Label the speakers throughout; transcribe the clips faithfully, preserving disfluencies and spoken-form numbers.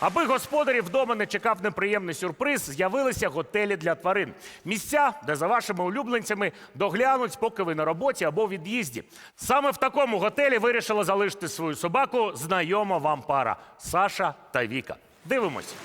Speaker 1: Аби господарів вдома не чекав неприємний сюрприз, з'явилися готелі для тварин. Місця, де за вашими улюбленцями доглянуть, поки ви на роботі або у від'їзді. Саме в такому готелі вирішила залишити свою собаку знайома вам пара – Саша та Віка. Дивимось.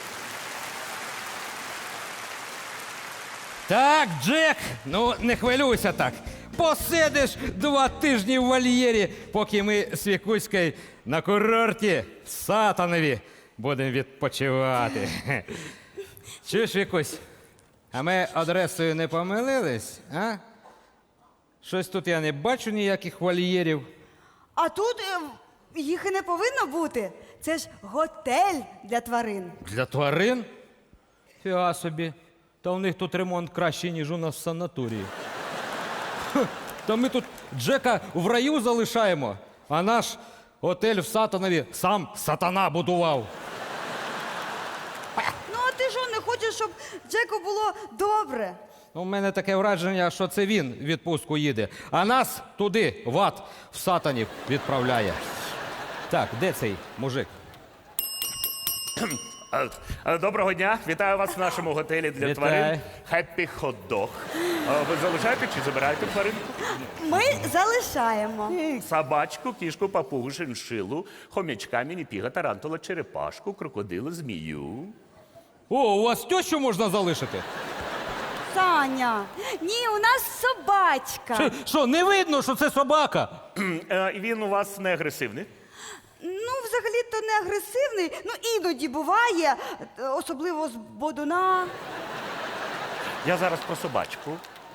Speaker 2: Так, Джек, ну не хвилюйся так. Посидиш два тижні в вольєрі, поки ми з Вікуською на курорті в Сатанові будемо відпочивати. Чуєш, Вікусь, а ми адресою не помилились, а? Щось тут я не бачу ніяких вольєрів.
Speaker 3: А тут е, їх і не повинно бути. Це ж готель для тварин.
Speaker 2: Для тварин? Фіга собі. Та у них тут ремонт кращий, ніж у нас в санаторії. Хе, Та ми тут Джека в раю залишаємо, а наш готель в Сатанові сам сатана будував.
Speaker 3: Ну, а ти що, не хочеш, щоб Джеку було добре?
Speaker 2: У мене таке враження, що це він в відпустку їде, а нас туди, в ад, в Сатанів відправляє. Так, де цей мужик?
Speaker 1: Е, е, Доброго дня, вітаю вас в нашому готелі для
Speaker 2: Вітаю.
Speaker 1: тварин Happy Hot Dog. Е, Ви залишаєте чи забираєте тваринку?
Speaker 3: Ми залишаємо.
Speaker 1: М, Собачку, кішку, папугу, шиншилу, хомячка, мініпіга, тарантула, черепашку, крокодила, змію.
Speaker 2: О, у вас тещу можна залишити?
Speaker 3: Саня, ні, у нас собачка.
Speaker 2: Що, що, не видно, що це собака?
Speaker 1: М, е, І він у вас не агресивний?
Speaker 3: Ну, взагалі-то не агресивний, ну іноді буває, е, особливо з бодуна.
Speaker 1: Я зараз про собачку.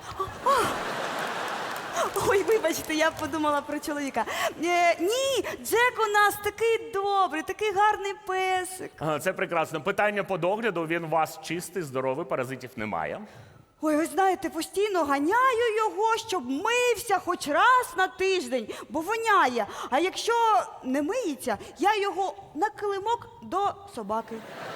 Speaker 3: Ой, вибачте, я подумала про чоловіка. Е, ні, Джек у нас такий добрий, такий гарний песик.
Speaker 1: Е, Це прекрасно. Питання по догляду. Він у вас чистий, здоровий, паразитів немає.
Speaker 3: Ой, ви знаєте, постійно ганяю його, щоб мився хоч раз на тиждень, бо воняє. А якщо не миється, я його на килимок до собаки.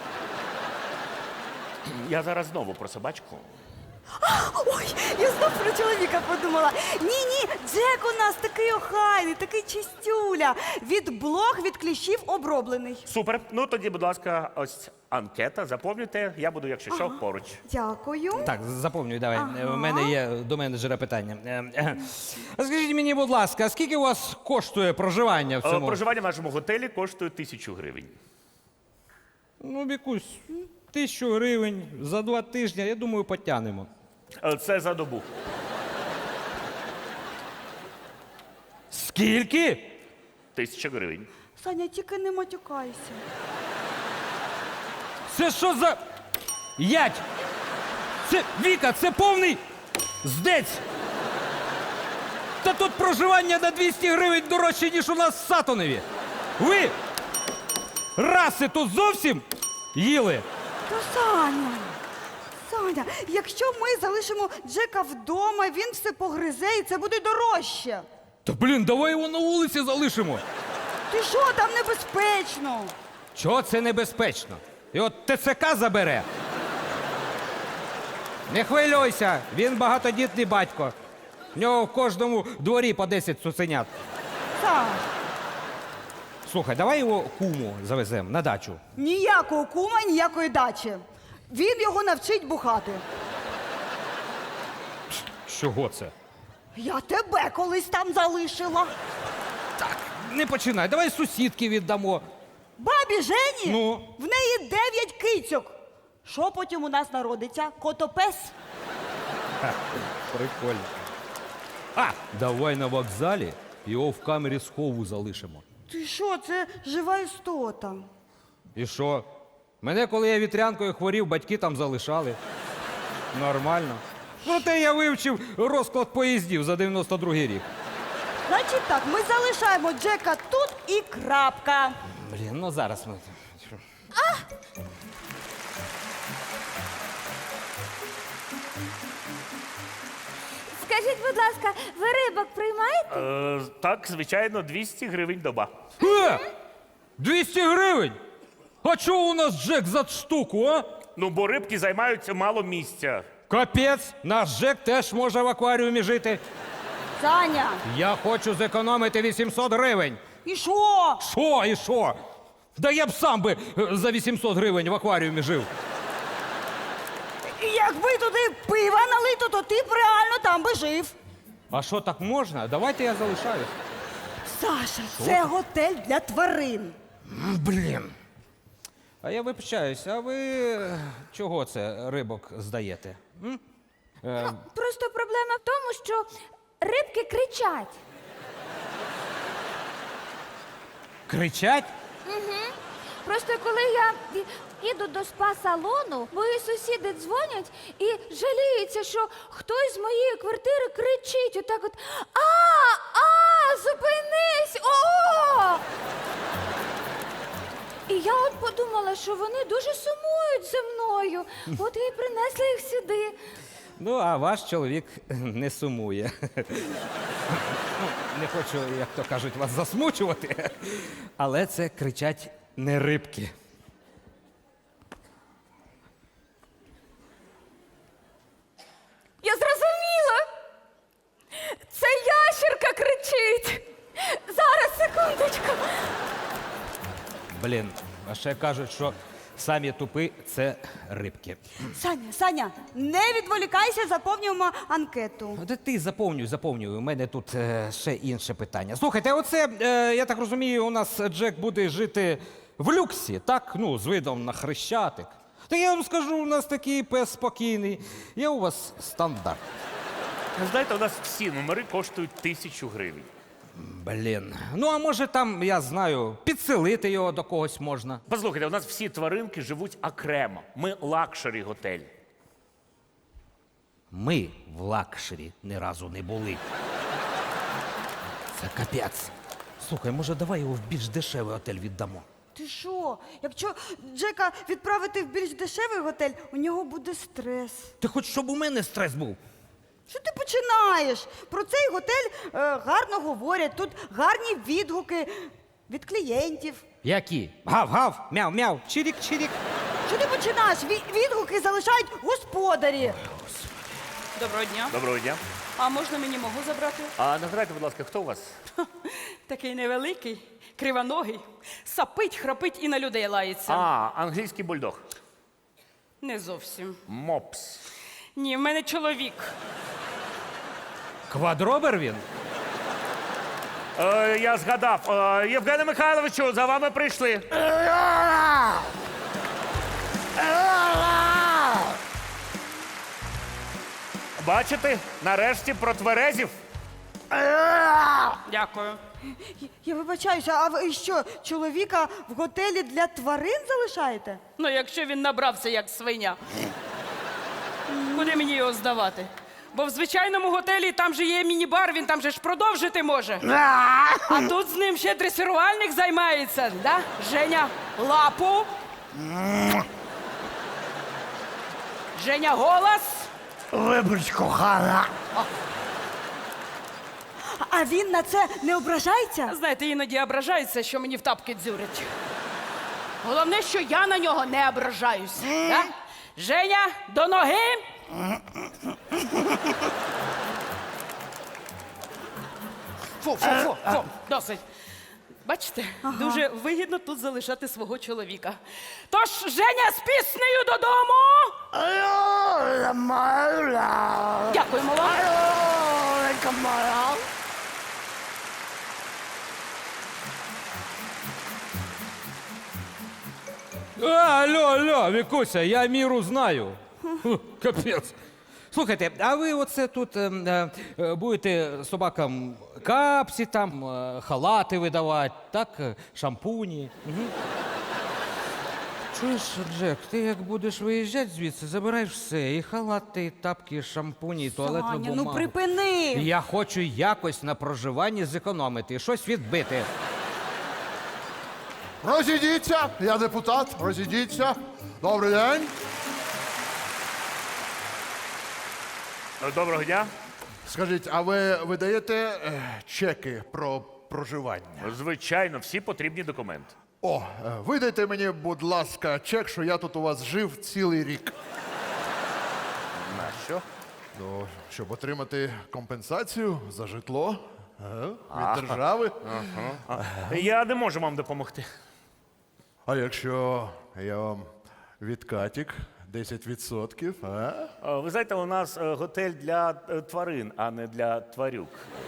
Speaker 1: Я зараз знову про собачку.
Speaker 3: Ой, я знов про чоловіка подумала. Ні-ні, Джек у нас такий охайний, такий чистюля. Від блох, від кліщів оброблений.
Speaker 1: Супер. Ну тоді, будь ласка, ось анкета. Заповнюйте. Я буду, якщо що, поруч.
Speaker 3: Дякую.
Speaker 2: Так, заповнюй, давай.
Speaker 3: Ага.
Speaker 2: У мене є до менеджера питання. Е, е. А Скажіть мені, будь ласка, скільки у вас коштує проживання в
Speaker 1: Е,
Speaker 2: цьому?
Speaker 1: Проживання в нашому готелі коштує тисячу гривень.
Speaker 2: Ну, Вікусь, тисячу гривень за два тижні, я думаю, потягнемо.
Speaker 1: Е, Це за добу.
Speaker 2: Скільки?
Speaker 1: Тисяча гривень.
Speaker 3: Саня, тільки не матюкайся.
Speaker 2: Це що за ять? Це, Віка, це повний здець. Та тут проживання на двісті гривень дорожче, ніж у нас в Сатанові. Ви раси тут зовсім їли?
Speaker 3: Та Саня, Саня, якщо ми залишимо Джека вдома, він все погризе і це буде дорожче.
Speaker 2: Та блін, давай його на вулиці залишимо.
Speaker 3: Ти що, там небезпечно?
Speaker 2: Чого це небезпечно? І от ТЦК забере. Не хвилюйся, він багатодітний батько. В нього в кожному дворі по десять цуценят.
Speaker 3: Сань,
Speaker 2: Слухай, давай його куму завеземо на дачу.
Speaker 3: ніякого кума, ніякої дачі. Він його навчить бухати.
Speaker 2: Чого це?
Speaker 3: Я тебе колись там залишила.
Speaker 2: Не починай, давай сусідки віддамо.
Speaker 3: Бабі Жені,
Speaker 2: Ну?
Speaker 3: в неї дев'ять кицьок. Що потім у нас народиться? Котопес?
Speaker 2: Прикольно. А, давай на вокзалі його в камері схову залишимо.
Speaker 3: Ти що, це жива істота.
Speaker 2: І що? Мене, коли я вітрянкою хворів, батьки там залишали. Нормально. Проте я вивчив розклад поїздів за дев'яносто другий рік.
Speaker 3: Значить так, ми залишаємо Джека тут і крапка.
Speaker 2: Блін, ну зараз ми.
Speaker 4: Скажіть, будь ласка, ви рибок приймаєте?
Speaker 1: Е, Так, звичайно, двісті гривень доба.
Speaker 2: Е! двісті гривень! А чого у нас Джек за штуку, а?
Speaker 1: Ну, бо рибки займають мало місця.
Speaker 2: Капець, наш Джек теж може в акваріумі жити.
Speaker 3: Саня,
Speaker 2: Я хочу зекономити вісімсот гривень.
Speaker 3: і що?
Speaker 2: Що і що? Да я б сам би е, за вісімсот гривень в акваріумі жив.
Speaker 3: І якби туди пива налито, то ти б реально там би жив.
Speaker 2: А що, так можна? Давайте я залишаюсь.
Speaker 3: Саша, це готель для тварин.
Speaker 2: М, Блін. А я вибачаюсь, а ви е, чого це рибок здаєте? М? Е,
Speaker 4: Просто проблема в тому, що рибки кричать.
Speaker 2: кричать?
Speaker 4: Просто коли я і- іду до спа-салону, мої сусіди дзвонять і жаліються, що хтось з моєї квартири кричить отак от А, а, зупинись! О! І я от подумала, що вони дуже сумують за мною. От і принесли їх сюди.
Speaker 2: Ну, а ваш чоловік не сумує. Ну, не хочу, як то кажуть, вас засмучувати, але це кричать не рибки.
Speaker 4: Я зрозуміла. Це ящерка кричить. Зараз, секундочку.
Speaker 2: Блін, а ще кажуть, що самі тупи це рибки.
Speaker 3: Саня, Саня, не відволікайся, заповнюємо анкету.
Speaker 2: Де ти заповнюй, заповнюй. У мене тут е, ще інше питання. Слухайте, оце, е, я так розумію, у нас Джек буде жити в люксі, так? Ну, з видом на хрещатик. Та я вам скажу, у нас такий пес спокійний. Є у вас стандарт.
Speaker 1: Знаєте, у нас всі номери коштують тисячу гривень.
Speaker 2: Блін. Ну, а може там, я знаю, підселити його до когось можна.
Speaker 1: Послухайте, у нас всі тваринки живуть окремо. Ми лакшері готель.
Speaker 2: Ми в лакшері ні разу не були. Це капець. Слухай, може, давай його в більш дешевий готель віддамо.
Speaker 3: Ти що? Якщо Джека відправити в більш дешевий готель, у нього буде стрес.
Speaker 2: Ти хоч щоб у мене стрес був?
Speaker 3: Що ти починаєш? Про цей готель е, гарно говорять, тут гарні відгуки від клієнтів.
Speaker 2: Які? Гав-гав, мяу-мяу, чирік-чирік.
Speaker 3: Що ти починаєш? Ві- відгуки залишають господарі.
Speaker 5: Доброго дня.
Speaker 1: Доброго дня.
Speaker 5: А можна мені могу забрати?
Speaker 1: А нагадайте, будь ласка, хто у вас?
Speaker 5: Такий невеликий, кривоногий, сапить, храпить і на людей лається.
Speaker 1: А, англійський бульдог.
Speaker 5: Не зовсім.
Speaker 1: Мопс.
Speaker 5: Ні, в мене чоловік.
Speaker 2: Квадробер він?
Speaker 1: Е, я згадав. Е, Євгене Михайловичу, за вами прийшли. Бачите, нарешті про тверезів.
Speaker 5: Дякую.
Speaker 3: Я- Я вибачаюся, а ви що, чоловіка в готелі для тварин залишаєте?
Speaker 5: Ну, якщо він набрався як свиня. Куди мені його здавати? Бо в звичайному готелі там же є міні-бар, він там же ж продовжити може. А тут з ним ще дресирувальник займається, да? Женя, лапу. Женя, голос.
Speaker 6: Вибач, кохана.
Speaker 3: А він на це не ображається?
Speaker 5: Знаєте, іноді ображається, що мені в тапки дзюрять. Головне, що я на нього не ображаюсь. Да? Женя, до ноги. Фу, фу, фу, фу, досить. Бачите, дуже вигідно тут залишати свого чоловіка. Тож, Женя, з піснею додому. Дякуємо вам.
Speaker 2: А, алло, алло, Вікуся, я міру знаю. Ху, капець. Слухайте, а ви оце тут е, е, е, будете собакам капці там, е, халати видавати, так? е, Шампуні. Угу. Чуєш, Джек, ти як будеш виїжджати звідси, забираєш все, і халати, і тапки, і шампуні, і туалетну
Speaker 3: Саня,
Speaker 2: бумагу.
Speaker 3: ну припини.
Speaker 2: Я хочу якось на проживанні зекономити, щось відбити.
Speaker 6: Розійдіться, я депутат, розійдіться. Добрий день.
Speaker 1: Е, Доброго дня.
Speaker 6: Скажіть, а ви видаєте е, чеки про проживання?
Speaker 1: Звичайно, всі потрібні документи.
Speaker 6: О, е, видайте мені, будь ласка, чек, що я тут у вас жив цілий рік.
Speaker 1: На що?
Speaker 6: Ну, щоб отримати компенсацію за житло е, від держави.
Speaker 1: Я не можу вам допомогти.
Speaker 6: А якщо я вам відкатік десять відсотків, а?
Speaker 1: Е, Ви знаєте, у нас е, готель для е, тварин, а не для тварюк.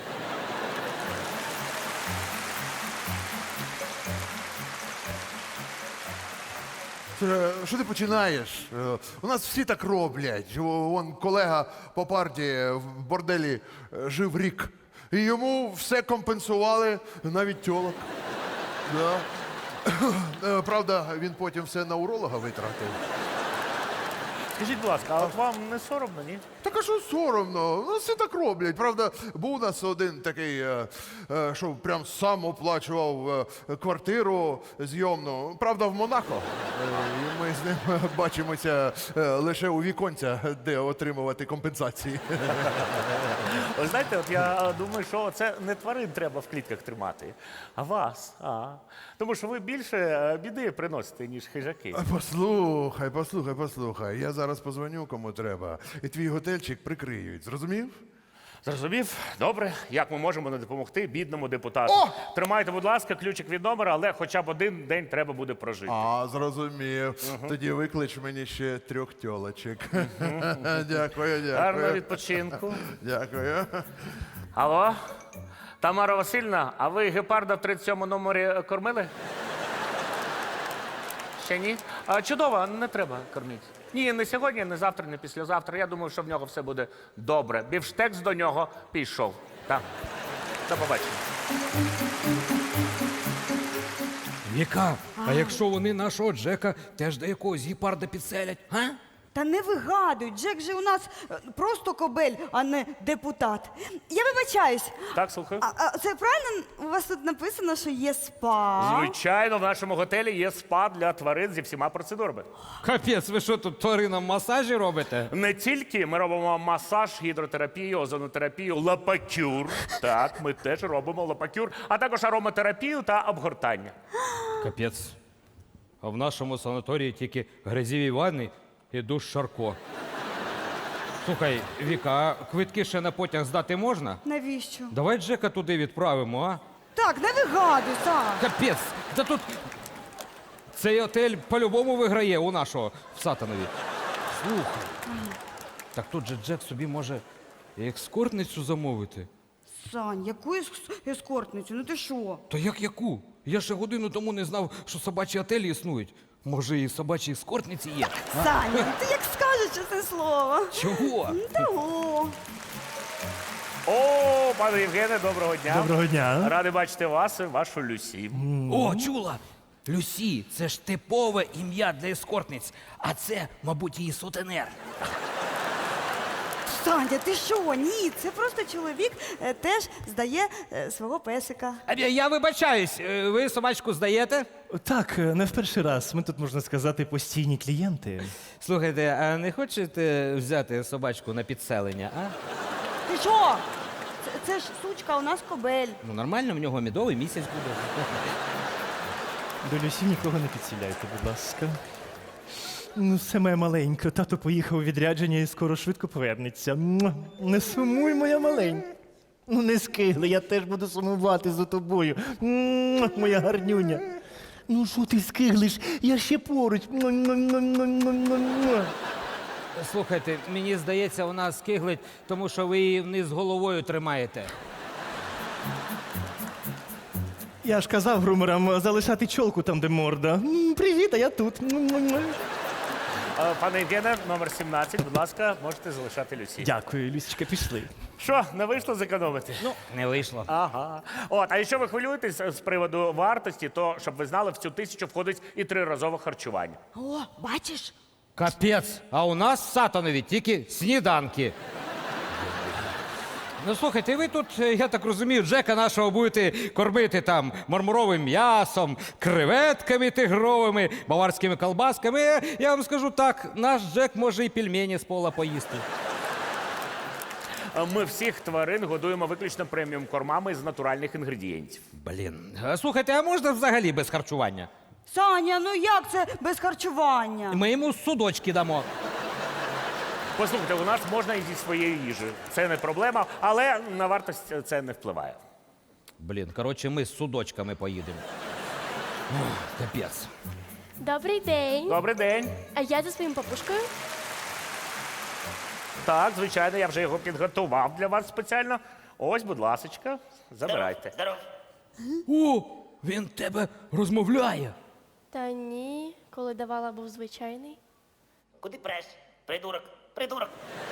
Speaker 6: Слухай, що ти починаєш? Е, У нас всі так роблять. О, Вон колега по парті в борделі е, жив рік. І йому все компенсували, навіть тьолок. Да. Е, Правда, він потім все на уролога витратив.
Speaker 1: Скажіть, будь ласка, а от вам не соромно, ні?
Speaker 6: Так а що соромно? Ну, всі так роблять. Правда, був у нас один такий, е, е, що прям сам оплачував е, квартиру зйомну. Правда, в Монако. Е, І ми з ним бачимося е, лише у віконця, де отримувати компенсації.
Speaker 1: Ви знаєте, от я е, думаю, що це не тварин треба в клітках тримати, а вас. А. Тому що ви більше е, біди приносите, ніж хижаки.
Speaker 6: Послухай, послухай, послухай. Я зараз позвоню кому треба, і твій готельчик прикриють. Зрозумів?
Speaker 1: Зрозумів? Добре. Як ми можемо не допомогти бідному депутату?
Speaker 6: О!
Speaker 1: Тримайте, будь ласка, ключик від номера, але хоча б один день треба буде прожити.
Speaker 6: А, зрозумів. Тоді виклич мені ще трьох тьолочок. Дякую, дякую.
Speaker 1: Гарного відпочинку.
Speaker 6: Дякую.
Speaker 1: Алло? Тамара Васильівна, а ви гепарда в тридцять сьомому номері кормили? Ще ні? А, чудово, не треба кормити. Ні, не сьогодні, не завтра, не післязавтра. Я думаю, що в нього все буде добре. Бівштекс до нього пішов. Так. До побачення.
Speaker 2: Віка, а якщо вони нашого Джека теж до якогось гепарда підселять, а?
Speaker 3: Та не вигадуй, Джек же у нас е, просто кобель, а не депутат. Я вибачаюсь.
Speaker 1: Так, слухаю.
Speaker 3: А, а це правильно у вас тут написано, що є спа?
Speaker 1: Звичайно, в нашому готелі є спа для тварин зі всіма процедурами.
Speaker 2: Капець, ви що тут тваринам масажі робите?
Speaker 1: Не тільки ми робимо масаж, гідротерапію, озонотерапію, лапакюр. Так, ми теж робимо лапакюр, а також ароматерапію та обгортання.
Speaker 2: Капець. А в нашому санаторії тільки грязіві ванни і душ Шарко. Слухай, Віка, а квитки ще на потяг здати можна?
Speaker 3: Навіщо?
Speaker 2: Давай Джека туди відправимо, а?
Speaker 3: Так, не вигадуй, так.
Speaker 2: Капець! Та тут цей отель по-любому виграє у нашого в Сатанові. Слухай. Так тут же Джек собі може і екскортницю замовити.
Speaker 3: Сань, яку ес- ескортницю? Ну ти що?
Speaker 2: То як яку? Я ще годину тому не знав, що собачі отелі існують. Може, і собачі ескортниці є?
Speaker 3: Саня, ти як скажеш це слово?
Speaker 2: Чого?
Speaker 3: Ну, того.
Speaker 1: О, пане Євгене, доброго дня.
Speaker 7: Доброго дня.
Speaker 1: Радий бачити вас і вашу Люсі.
Speaker 2: О, чула! Люсі, це ж типове ім'я для ескортниць, а це, мабуть, її сутенер.
Speaker 3: Саня, ти що? Ні, це просто чоловік е, теж здає е, свого песика.
Speaker 2: А я- Я вибачаюсь, е, ви собачку здаєте?
Speaker 7: Так, не в перший раз. Ми тут, можна сказати, постійні клієнти.
Speaker 2: Слухайте, а не хочете взяти собачку на підселення, а?
Speaker 3: Ти що? Це, це ж сучка, у нас кобель.
Speaker 2: Ну нормально, в нього медовий місяць буде.
Speaker 7: До Люсі нікого не підсіляйте, будь ласка. Ну, все моя маленька. Тато поїхав у відрядження і скоро швидко повернеться. Муа. Не сумуй, моя маленька. Ну, не скигли, я теж буду сумувати за тобою. Муа, моя гарнюня. Ну, що ти скиглиш? Я ще поруч. Муа, муа, муа, муа, муа, муа.
Speaker 2: Слухайте, мені здається, вона скиглить, тому що ви її вниз головою тримаєте.
Speaker 7: Я ж казав грумерам залишати чолку там, де морда. М, Привіт, а я тут. Муа, муа, муа.
Speaker 1: Е, Пане Євгене, номер сімнадцять, будь ласка, можете залишати Люсі.
Speaker 7: Дякую, Люсічка, пішли.
Speaker 1: Що, не вийшло зекономити?
Speaker 2: Ну, не вийшло.
Speaker 1: Ага. От, а якщо ви хвилюєтесь з приводу вартості, то щоб ви знали, в цю тисячу входить і триразове харчування.
Speaker 3: О, бачиш?
Speaker 2: Капець, а у нас в Сатанові тільки сніданки. Ну, слухайте, ви тут, е, я так розумію, Джека нашого будете кормити там мармуровим м'ясом, креветками тигровими, баварськими колбасками. Е, Я вам скажу так, наш Джек може і пельмені з пола поїсти.
Speaker 1: Е, Ми всіх тварин годуємо виключно преміум кормами з натуральних інгредієнтів.
Speaker 2: Блін. А, слухайте, а можна взагалі без харчування?
Speaker 3: Саня, ну як це без харчування?
Speaker 2: Ми йому судочки дамо.
Speaker 1: Послухайте, у нас можна і зі своєї їжі. Це не проблема, але на вартість це не впливає.
Speaker 2: Блін, коротше, ми з судочками поїдемо. Капець.
Speaker 8: Добрий день.
Speaker 1: Добрий день.
Speaker 8: А я за своїм папушкою.
Speaker 1: Так, звичайно, я вже його підготував для вас спеціально. Ось, будь ласочка, забирайте.
Speaker 9: Здоров.
Speaker 2: О, він тебе розмовляє.
Speaker 8: Та ні, коли давала, був звичайний.
Speaker 9: Куди преш? Придурок, придурок.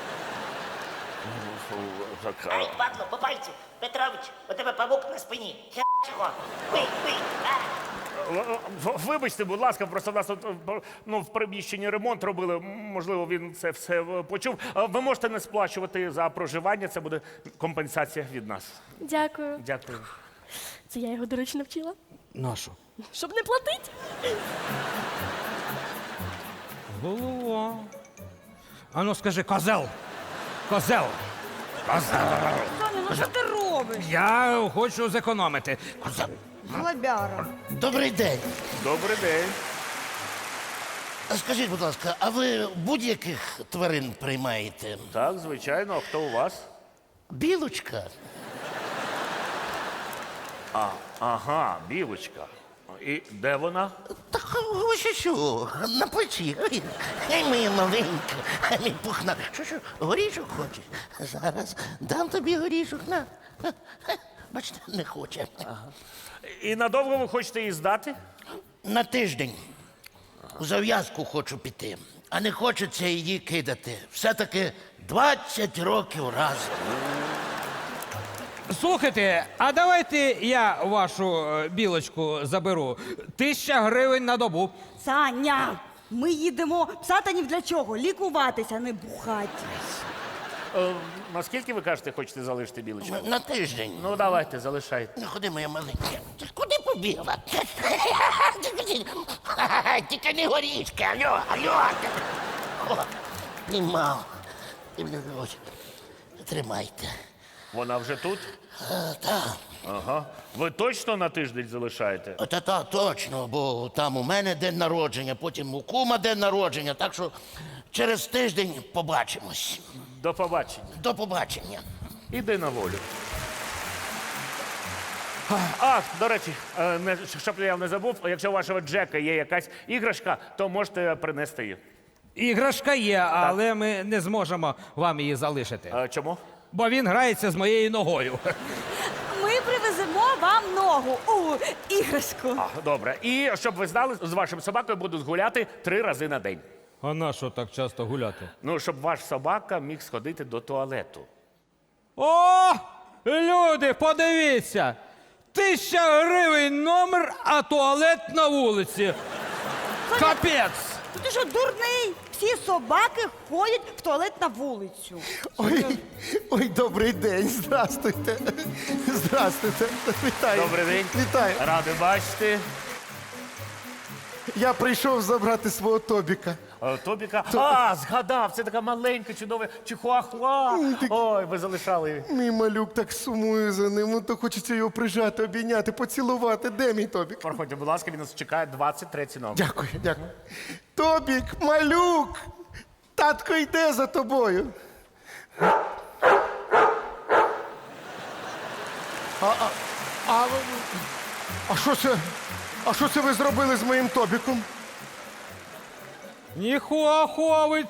Speaker 1: Так,
Speaker 9: Ай, падло, по пальцю. Петрович, у тебе павук на спині. Хе чого? Бий, бий. А.
Speaker 1: В- в- Вибачте, будь ласка, просто в нас тут е, ну, в приміщенні ремонт робили. М, Можливо, він це все е, почув. А Ви можете не сплачувати за проживання, це буде компенсація від нас.
Speaker 8: Дякую.
Speaker 1: Дякую.
Speaker 8: Це я його, до речі, навчила.
Speaker 2: Нашу.
Speaker 8: Щоб не платить.
Speaker 2: Голова. А ну скажи, козел. Козел. Козел.
Speaker 3: Соня, ну що ти робиш?
Speaker 2: Я хочу зекономити. Козел.
Speaker 3: Глобяра.
Speaker 10: Добрий день.
Speaker 1: Добрий день.
Speaker 10: А скажіть, будь ласка, а ви будь-яких тварин приймаєте?
Speaker 1: Так, звичайно, а хто у вас?
Speaker 10: Білочка.
Speaker 1: А, ага, білочка. І де вона?
Speaker 10: Так ви що, що? На плечі. Ой, ай, моя маленька, ай, мій пухна. Що, що, горішок хочеш? Зараз дам тобі горішок. На. Бачите, не хоче.
Speaker 1: І надовго ви хочете її здати?
Speaker 10: На тиждень. У зав'язку хочу піти. А не хочеться її кидати. Все-таки двадцять років разом.
Speaker 2: Слухайте, а давайте я вашу е, білочку заберу. Тисяча гривень на добу.
Speaker 3: Саня, ми їдемо в Сатанів для чого? Лікуватися, не бухати.
Speaker 1: Е, наскільки ви кажете, хочете залишити білочку?
Speaker 10: На тиждень.
Speaker 1: Ну, давайте, залишайте.
Speaker 10: Ну, ходи, моя маленька. Ти куди побігла? Тільки не горішки, алло, алло. О, піймав. І мене ось. Тримайте.
Speaker 1: Вона вже тут?
Speaker 10: Так,
Speaker 1: Ага. Ви точно на тиждень залишаєте?
Speaker 10: та та точно, бо там у мене день народження, потім у кума день народження, так що через тиждень побачимось.
Speaker 1: До побачення.
Speaker 10: До побачення.
Speaker 1: Іди на волю. А, до речі, е, не, щоб я не забув, якщо у вашого Джека є якась іграшка, то можете принести її.
Speaker 2: Іграшка є, але ми не зможемо вам її залишити.
Speaker 1: Е, чому?
Speaker 2: Бо він грається з моєю ногою.
Speaker 3: Ми привеземо вам ногу у іграшку.
Speaker 1: А, добре. І щоб ви знали, з вашим собакою будуть гуляти три рази на день.
Speaker 2: А на що так часто гуляти?
Speaker 1: Ну, щоб ваш собака міг сходити до туалету.
Speaker 2: О! Люди, подивіться! Тисяча гривень номер, а туалет на вулиці. Капець!
Speaker 3: Ти що, дурний? Всі собаки ходять в туалет на вулицю.
Speaker 11: Ой, ой, добрий день. Здрастуйте. Здрастуйте. Вітаю.
Speaker 1: Добрий день.
Speaker 11: Вітаю.
Speaker 1: Радий бачити.
Speaker 11: Я прийшов забрати свого Тобіка.
Speaker 1: Е, Тобіка. А, згадав, це така маленька, чудова чихуахуа. Ой, ви залишали її.
Speaker 11: Мій малюк так сумує за ним. Ну то хочеться його прижати, обійняти, поцілувати. Де мій Тобік?
Speaker 1: Проходьте, будь ласка, він нас чекає двадцять третій номер.
Speaker 11: Дякую, дякую. Тобік, малюк! Татко йде за тобою. А, а, а, а що це? А що це ви зробили з моїм Тобіком?
Speaker 2: Ніхуахуа ви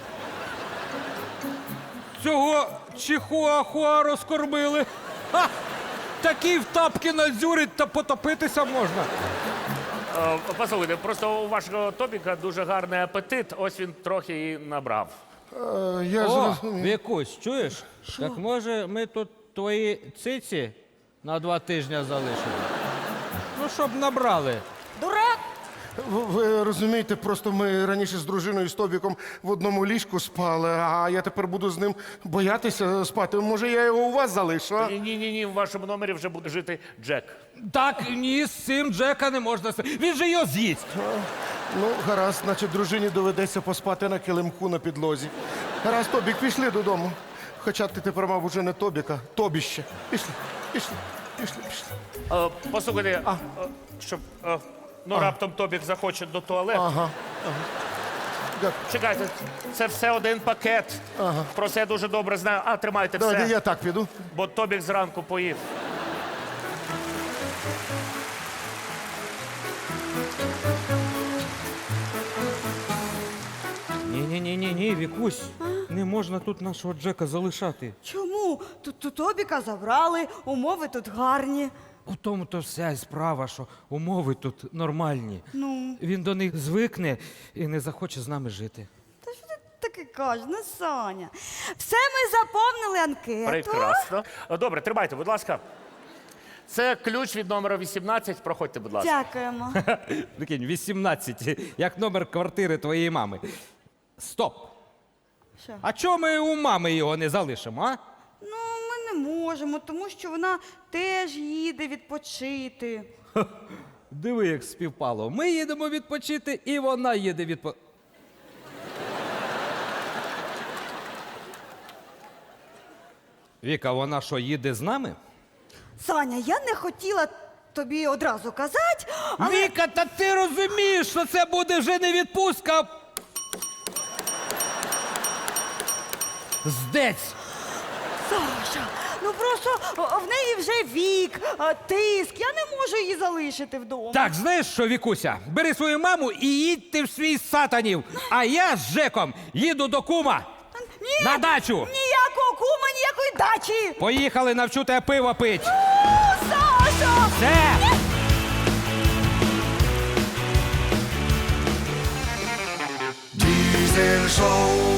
Speaker 2: цього чихуахуа розкормили. Ха! Такий в тапки надзюрить та потопитися можна.
Speaker 1: Е, Послухайте, просто у вашого Тобіка дуже гарний апетит, ось він трохи і набрав.
Speaker 11: Е, я
Speaker 2: О,
Speaker 11: зрозумів.
Speaker 2: Вікусь, чуєш? Так може ми тут твої циці на два тижні залишимо? Ну, щоб набрали.
Speaker 3: Дурак!
Speaker 11: Ви, ви розумієте, просто ми раніше з дружиною з Тобіком в одному ліжку спали, а я тепер буду з ним боятися спати. Може, я його у вас залишу? А?
Speaker 1: Ні, ні, ні, ні, в вашому номері вже буде жити Джек.
Speaker 2: Так, ні, з цим Джека не можна. с- Він же його з'їсть.
Speaker 11: Ну, гаразд, значить, дружині доведеться поспати на килимку на підлозі. Гаразд, Тобік, пішли додому. Хоча ти тепер мав уже не Тобіка, Тобіще. Пішли, пішли, пішли, пішли.
Speaker 1: Е, Послухайте, е, щоб е, ну раптом Тобік захоче до туалету.
Speaker 11: Ага. Дякую.
Speaker 1: Чекайте, це все один пакет. Про це я дуже добре знаю. А, тримайте
Speaker 11: Давайте
Speaker 1: все,
Speaker 11: я так піду.
Speaker 1: бо Тобік зранку поїв.
Speaker 2: Ні, ні, ні, Вікусь, не можна тут нашого Джека залишати.
Speaker 3: Чому? Тут, тут Тобіка забрали, умови тут гарні.
Speaker 2: У тому то вся й справа, що умови тут нормальні.
Speaker 3: Ну.
Speaker 2: Він до них звикне і не захоче з нами жити.
Speaker 3: Та що ти таке кажеш, ну, Саня? Все ми заповнили анкету.
Speaker 1: Прекрасно. Добре, тримайте, будь ласка. Це ключ від номера вісімнадцять. Проходьте, будь ласка.
Speaker 3: Дякуємо.
Speaker 2: Прикинь, вісімнадцять, як номер квартири твоєї мами. Стоп!
Speaker 3: Що?
Speaker 2: А чому ми у мами його не залишимо, а?
Speaker 3: Ну, ми не можемо, тому що вона теж їде відпочити.
Speaker 2: Диви, як співпало. Ми їдемо відпочити, і вона їде відпочити. Віка, вона що, їде з нами?
Speaker 3: Саня, я не хотіла тобі одразу казати, але...
Speaker 2: Віка, та ти розумієш, що це буде вже не відпустка. а Здець!
Speaker 3: Саша, ну просто о, в неї вже вік, а, тиск, я не можу її залишити вдома.
Speaker 2: Так, знаєш що, Вікуся? Бери свою маму і їдь ти в свій сатанів, а я з Жеком їду до кума.
Speaker 3: Ні,
Speaker 2: На дачу!
Speaker 3: Ніякого кума, ніякої дачі!
Speaker 2: Поїхали, навчу тебе пиво пить.
Speaker 3: О, Саша!
Speaker 2: Все!
Speaker 12: Diesel Show.